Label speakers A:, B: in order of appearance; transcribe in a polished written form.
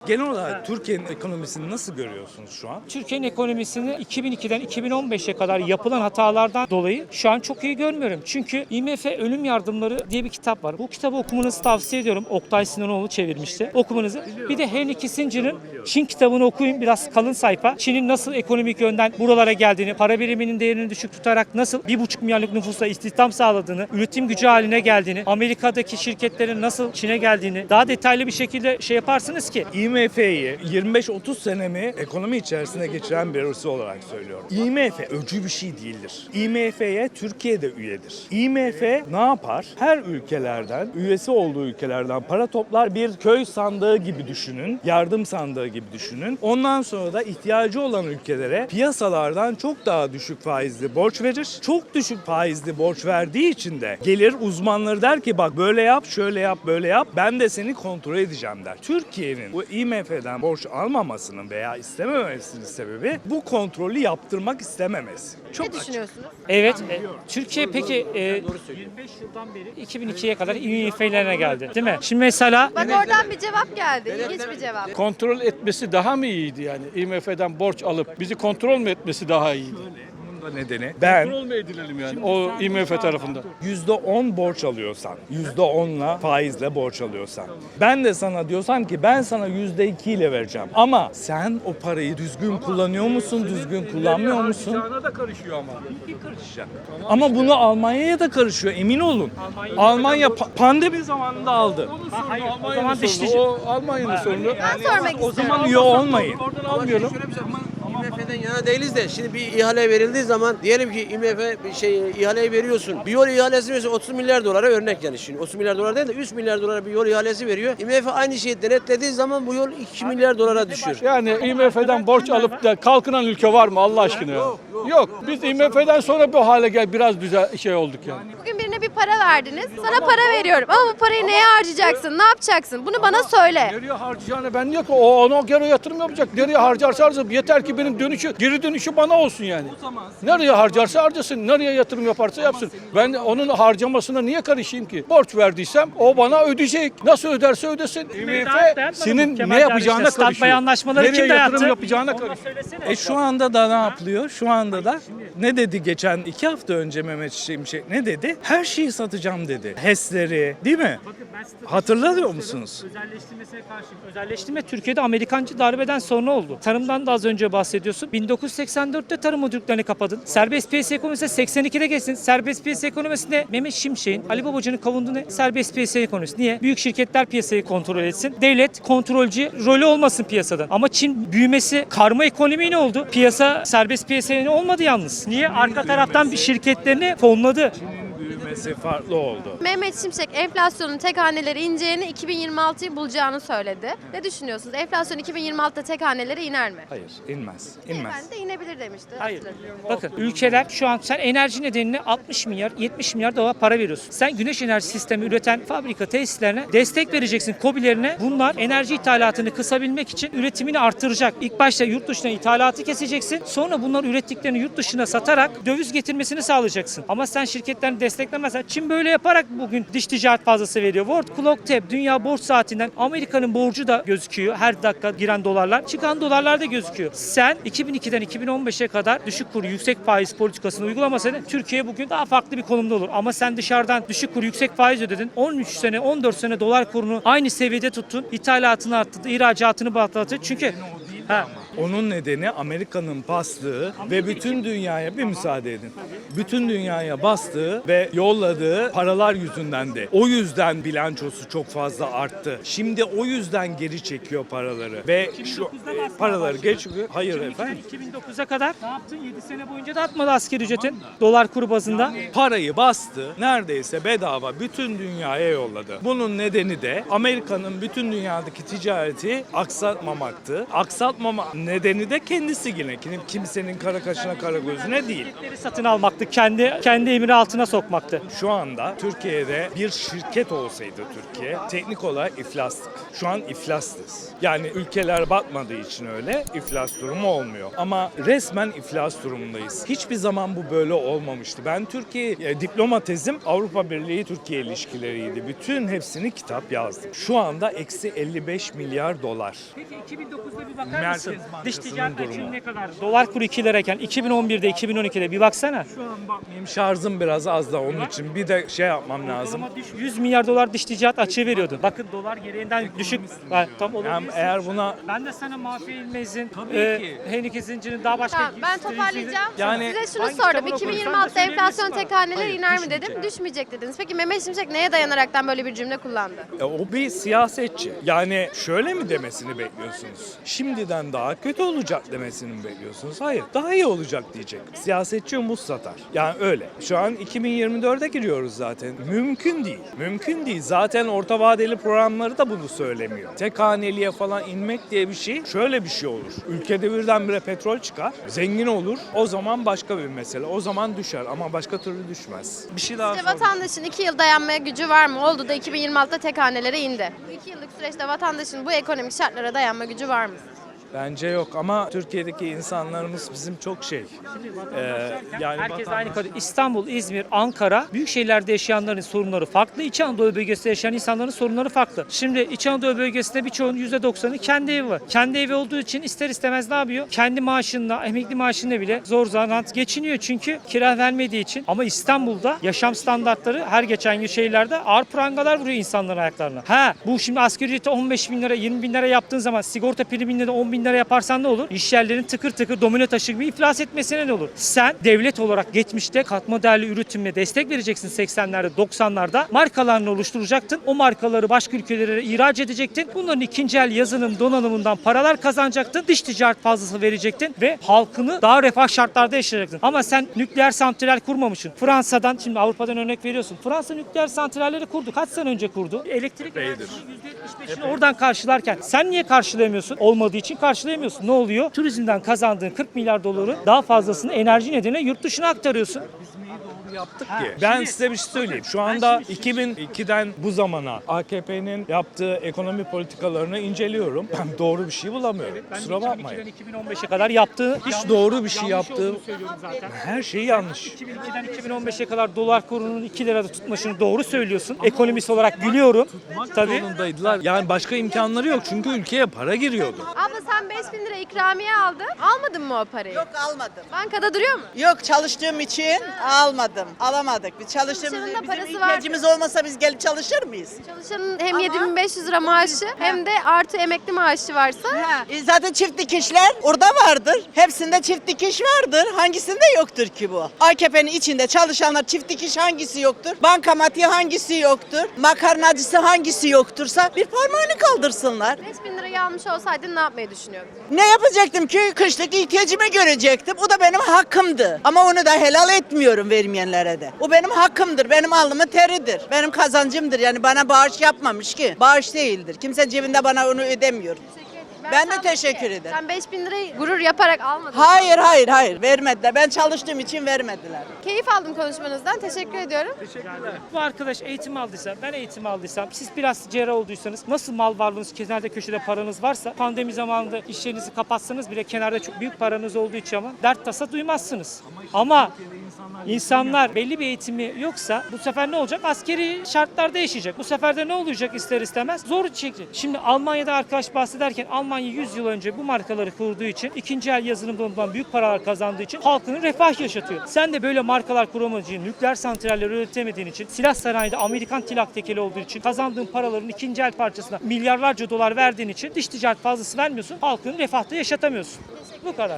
A: Genel olarak Türkiye'nin ekonomisini nasıl görüyorsunuz şu an?
B: Türkiye'nin ekonomisini 2002'den 2015'e kadar yapılan hatalardan dolayı şu an çok iyi görmüyorum. Çünkü IMF Ölüm Yardımları diye bir kitap var. Bu kitabı okumanızı tavsiye ediyorum. Oktay Sinanoğlu çevirmişti. Okumanızı. Bir de Henry Kissinger'ın Çin kitabını okuyun. Biraz kalın sayfa. Çin'in nasıl ekonomik yönden buralara geldiğini, para biriminin değerini düşük tutarak nasıl 1,5 milyarlık nüfusla istihdam sağladığını, üretim gücü haline geldiğini, Amerika'daki şirketlerin nasıl Çin'e geldiğini daha detaylı bir şekilde yaparsınız ki.
A: IMF'yi 25-30 senemi ekonomi içerisinde geçiren birisi olarak söylüyorum. IMF öcü bir şey değildir. IMF'ye Türkiye de üyedir. IMF ne yapar? Her ülkelerden, üyesi olduğu ülkelerden para toplar, bir köy sandığı gibi düşünün, yardım sandığı gibi düşünün. Ondan sonra da ihtiyacı olan ülkelere piyasalardan çok daha düşük faizli borç verir. Çok düşük faizli borç verdiği için de gelir uzmanları der ki bak böyle yap, şöyle yap, böyle yap. Ben de seni kontrol edeceğim der. Türkiye'nin bu IMF'den borç almamasının veya istememesinin sebebi bu kontrolü yaptırmak istememesi. Çok
B: Ne
A: düşünüyorsunuz?
B: Evet. Türkiye peki 25 yıldan beri 2002'ye kadar IMF'lerine geldi. Değil mi? Şimdi mesela
C: Bak oradan bir cevap geldi. İlginç bir cevap.
D: Kontrol etmesi daha mı iyiydi yani? IMF'den borç alıp bizi kontrol mü etmesi daha iyiydi?
A: Bunun da nedeni ben
D: Kontrol mü edilelim yani o IMF tarafından?
A: %10 borç alıyorsan, %10'la faizle borç alıyorsan, ben de sana diyorsam ki ben sana %2 ile vereceğim. Ama sen o parayı düzgün kullanıyor musun, düzgün kullanmıyor musun?
D: Harcayacağına da karışıyor ama.
A: Karışacak. Ama bunu Almanya'ya da karışıyor, emin olun. Almanya pandemi zamanında aldı.
B: hayır, o
D: Almanya'nın
B: zaman
D: sorunu.
B: dişlici.
D: O Almanya'nın sorunu.
C: Ben sormak
A: O
C: istiyorum.
A: zaman üye olmayın.
D: Oradan almayalım.
E: IMF'den yana değiliz de şimdi bir ihale verildiği zaman diyelim ki IMF ihaleyi veriyorsun. Bir yol ihalesi veriyorsun 30 milyar dolara örnek yani şimdi 30 milyar dolar değil de 3 milyar dolara bir yol ihalesi veriyor. IMF aynı şeyi denetlediği zaman bu yol 2 milyar dolara düşüyor.
D: Yani IMF'den borç alıp da kalkınan ülke var mı Allah aşkına ya? Yok. Biz IMF'den sonra bu hale biraz güzel şey olduk yani.
C: Bugün birine bir para verdiniz. Sana para veriyorum. Ama bu parayı neye harcayacaksın? Ne yapacaksın? Bunu bana söyle.
D: Nereye harcayacağını ben niye ki ona göre yatırım yapacak. Nereye harcarsa harcasın. Yeter ki benim geri dönüşü bana olsun yani. Nereye harcarsa harcasın. Nereye yatırım yaparsa yapsın. Ben onun harcamasına niye karışayım ki? Borç verdiysem o bana ödeyecek. Nasıl öderse ödesin. IMF senin ne yapacağına karışıyor.
B: anlaşmaları
D: Nereye
B: kim dayattı?
D: yatırım yapacağına karışıyor.
A: Şu anda da ne yapılıyor? Şu anda da ne dedi geçen 2 hafta önce Mehmet Şimşek ne dedi? Her şeyi satacağım dedi. HES'leri değil mi? Hatırlıyor musunuz?
B: Özelleştirmesine karşıyım. Özelleştirme Türkiye'de Amerikancı darbeden sonra oldu. Tarımdan da az önce bahsediyorsun. 1984'te tarım müdürlüklerini kapadın. Serbest piyasa ekonomisi 82'de geçsin. Serbest piyasa ekonomisinde Mehmet Şimşek'in, Ali Babacan'ın kavunduğu ne? Serbest piyasa ekonomisi. Niye? Büyük şirketler piyasayı kontrol etsin. Devlet kontrolcü rolü olmasın piyasadan. Ama Çin büyümesi karma ekonomi ne oldu? Piyasa serbest piyasaya olmadı yalnız. Niye? Arka taraftan bir şirketlerini fonladı.
A: Büyümesi farklı oldu.
C: Mehmet Şimşek enflasyonun tek haneleri ineceğini 2026'yı bulacağını söyledi. Ne düşünüyorsunuz? Enflasyon 2026'da tek hanelere iner mi?
A: Hayır, inmez. İnmez.
C: Ben de inebilir demişti.
B: Hayır.
C: Hatırlıyorum.
B: Bakın ülkeler şu an sen enerji nedeniyle 60 milyar 70 milyar dolar para veriyorsun. Sen güneş enerji sistemi üreten fabrika tesislerine destek vereceksin, KOBİ'lerine. Bunlar enerji ithalatını kısabilmek için üretimini artıracak. İlk başta yurt dışına ithalatı keseceksin. Sonra bunlar ürettiklerini yurt dışına satarak döviz getirmesini sağlayacaksın. Ama sen şirketlerini desteklemezsen Çin böyle yaparak bugün dış ticaret fazlası veriyor. World Clock Tab dünya borç saatinden Amerika'nın borcu da gözüküyor. Her dakika giren dolarlar, çıkan dolarlar da gözüküyor. Sen 2002'den 2015'e kadar düşük kur yüksek faiz politikasını uygulamasaydın Türkiye bugün daha farklı bir konumda olur. Ama sen dışarıdan düşük kur yüksek faiz ödedin. 13 sene 14 sene dolar kurunu aynı seviyede tuttun. İthalatını arttırdın, ihracatını patlattın. Çünkü
A: Onun nedeni Amerika'nın bastığı ve bütün dünyaya bir müsaade edin. Bütün dünyaya bastığı ve yolladığı paralar yüzündendi. O yüzden bilançosu çok fazla arttı. Şimdi o yüzden geri çekiyor paraları ve şu paraları geçiyor. Hayır efendim.
B: 2009'a kadar ne yaptın? 7 sene boyunca da atmadı asgari ücretin dolar kuru bazında.
A: Parayı bastı, neredeyse bedava bütün dünyaya yolladı. Bunun nedeni de Amerika'nın bütün dünyadaki ticareti aksatmamaktı. Aksatmama nedeni de kendisi yine. Kimsenin kara kaşına kara gözüne değil.
B: Şirketleri satın almaktı, kendi emri altına sokmaktı.
A: Şu anda Türkiye'de bir şirket olsaydı Türkiye teknik olarak iflastık. Şu an iflastız. Yani ülkeler batmadığı için öyle iflas durumu olmuyor. Ama resmen iflas durumundayız. Hiçbir zaman bu böyle olmamıştı. Ben Türkiye diploma tezim Avrupa Birliği Türkiye ilişkileriydi. Bütün hepsini kitap yazdım. Şu anda eksi 55 milyar dolar.
B: Peki 2009'da bir bakar
A: Merkez
B: mısın?
A: Bankası'nın
B: Dış ticaret
A: durumu.
B: açığı ne kadar? Dolar kuru 2 lirayken 2011'de 2012'de bir baksana.
A: Şu an bakmayayım, şarjım biraz az da onun için bir de şey yapmam lazım.
B: Ama 100 milyar dolar dış ticaret açığı veriyordu. Bakın dolar gereğinden düşük. Ha, tam
A: Yani
B: olabilir.
A: eğer buna
B: Ben de sana Mahfi İlmez'in,
A: Tabii ki.
B: Heineken zincirinin daha başka...
C: Tamam, ben toparlayacağım.
A: Yani
C: Size şunu
B: hangi
C: sordum.
B: kitabını okudun?
C: 2026'da
B: Sen de
C: enflasyon
B: söyleyebilirsin
C: tek haneler
A: Hayır,
C: iner mi
A: düşmeyecek.
C: dedim. Düşmeyecek dediniz. Peki Mehmet Şimşek neye dayanaraktan böyle bir cümle kullandı?
A: O bir siyasetçi. Yani şöyle mi demesini bekliyorsunuz? Şimdiden daha kötü olacak demesini mi bekliyorsunuz? Hayır, daha iyi olacak diyecek. Siyasetçi umut satar. Yani öyle. Şu an 2024'e giriyoruz zaten. Mümkün değil. Mümkün değil. Zaten orta vadeli programları da bunu söylemiyor. Tek haneliye falan inmek diye bir şey, şöyle bir şey olur. Ülkede birdenbire petrol çıkar, zengin olur. O zaman başka bir mesele. O zaman düşer ama başka türlü düşmez. Bir şey daha
C: Sizce
A: sorayım.
C: vatandaşın 2 yıl dayanmaya gücü var mı? Oldu da 2026'da tek hanelere indi. Bu 2 yıllık süreçte vatandaşın bu ekonomik şartlara dayanma gücü var mı?
A: Bence yok ama Türkiye'deki insanlarımız bizim çok şey. Yani
B: Herkes
A: vatandaş-
B: aynı kadar. İstanbul, İzmir, Ankara, büyük şehirlerde yaşayanların sorunları farklı. İç Anadolu bölgesinde yaşayan insanların sorunları farklı. Şimdi İç Anadolu bölgesinde birçoğunun %90'ı kendi evi var. Kendi evi olduğu için ister istemez ne yapıyor? Kendi maaşınla, emekli maaşınla bile zor zanaat geçiniyor çünkü kira vermediği için. Ama İstanbul'da yaşam standartları her geçen gün şehirlerde ağır prangalar vuruyor insanların ayaklarına. Bu şimdi asgari ücreti 15 bin lira, 20 bin lira yaptığın zaman sigorta priminde de 10 bin lira yaparsan ne olur? İş yerlerinin tıkır tıkır domino taşı gibi iflas etmesine ne olur? Sen devlet olarak geçmişte katma değerli üretimle destek vereceksin 80'lerde 90'larda. Markalarını oluşturacaktın. O markaları başka ülkelere ihraç edecektin. Bunların ikinci el yazılım donanımından paralar kazanacaktın. Dış ticaret fazlası verecektin ve halkını daha refah şartlarda yaşayacaktın. Ama sen nükleer santral kurmamışsın. Fransa'dan şimdi Avrupa'dan örnek veriyorsun. Fransa nükleer santralleri kurdu. Kaç sene önce kurdu? Elektrik enerjisinin %75'ini oradan karşılarken sen niye karşılayamıyorsun? Olmadığı için karşılayamıyorsun. Ne oluyor? Turizmden kazandığın 40 milyar doları daha fazlasını enerji nedeniyle yurt dışına aktarıyorsun.
A: yaptık ki. Ben size bir şey söyleyeyim. Şu anda 2002'den bu zamana AKP'nin yaptığı ekonomi politikalarını inceliyorum. Ben doğru bir şey bulamıyorum. Kusura bakmayın.
B: 2002'den 2015'e kadar yaptığı
A: Hiç doğru bir şey
B: yanlış
A: yaptığı,
B: olduğunu söylüyorum zaten.
A: her şey yanlış.
B: 2002'den 2015'e kadar dolar kurunun 2 lirada tutmasını doğru söylüyorsun. Ekonomist olarak gülüyorum. Tabii.
A: Zorundaydılar. Yani başka imkanları yok çünkü ülkeye para giriyordu.
C: Abla sen 5.000 lira ikramiye aldın. Almadın mı o parayı?
F: Yok almadım.
C: Bankada duruyor mu?
F: Yok çalıştığım için almadım. Alamadık. Biz çalıştığımız
C: Çalışanın da
F: bizim
C: parası
F: ihtiyacımız olmasa biz gelip çalışır mıyız?
C: Çalışanın hem
F: Ama-
C: 7.500 lira maaşı hem de artı emekli maaşı varsa
F: Zaten çift dikişler orada vardır. Hepsinde çift dikiş vardır. Hangisinde yoktur ki bu? AKP'nin içinde çalışanlar çift dikiş hangisi yoktur? Bankamatiği hangisi yoktur? Makarnacısı hangisi yoktursa bir parmağını kaldırsınlar.
C: 5.000 lirayı almış olsaydın ne yapmayı düşünüyordun?
F: Ne yapacaktım ki? Kışlık ihtiyacımı görecektim. O da benim hakkımdı. Ama onu da helal etmiyorum vermeyenlere de. O benim hakkımdır. Benim alnımın teridir. Benim kazancımdır. Yani bana bağış yapmamış ki. Bağış değildir. Kimse cebinde bana onu ödemiyor. Ben de
C: sandım
F: teşekkür
C: ki
F: ederim.
C: Sen 5.000 lirayı gurur yaparak almadın.
F: Hayır vermediler. Ben çalıştığım için vermediler.
C: Keyif aldım konuşmanızdan. Teşekkür ediyorum.
B: Bu arkadaş eğitim aldıysa, ben eğitim aldıysam, siz biraz cerrah olduysanız, nasıl mal varlığınız, kenarda köşede paranız varsa, pandemi zamanında iş yerinizi kapatsanız bile kenarda çok büyük paranız olduğu için ama dert tasa duymazsınız. Ama insanlar belli bir eğitimi yoksa bu sefer ne olacak? Askeri şartlarda yaşayacak. Bu sefer de ne olacak ister istemez? Zor çekecek. Şimdi Almanya'da arkadaş bahsederken Almanya 100 yıl önce bu markaları kurduğu için, ikinci el yazılımdan büyük paralar kazandığı için halkını refah yaşatıyor. Sen de böyle markalar kuramadığın için, nükleer santraller üretemediğin için, silah sanayide Amerikan tilak tekeli olduğu için, kazandığın paraların ikinci el parçasına milyarlarca dolar verdiğin için dış ticaret fazlası vermiyorsun, halkını refahta yaşatamıyorsun. Bu kadar.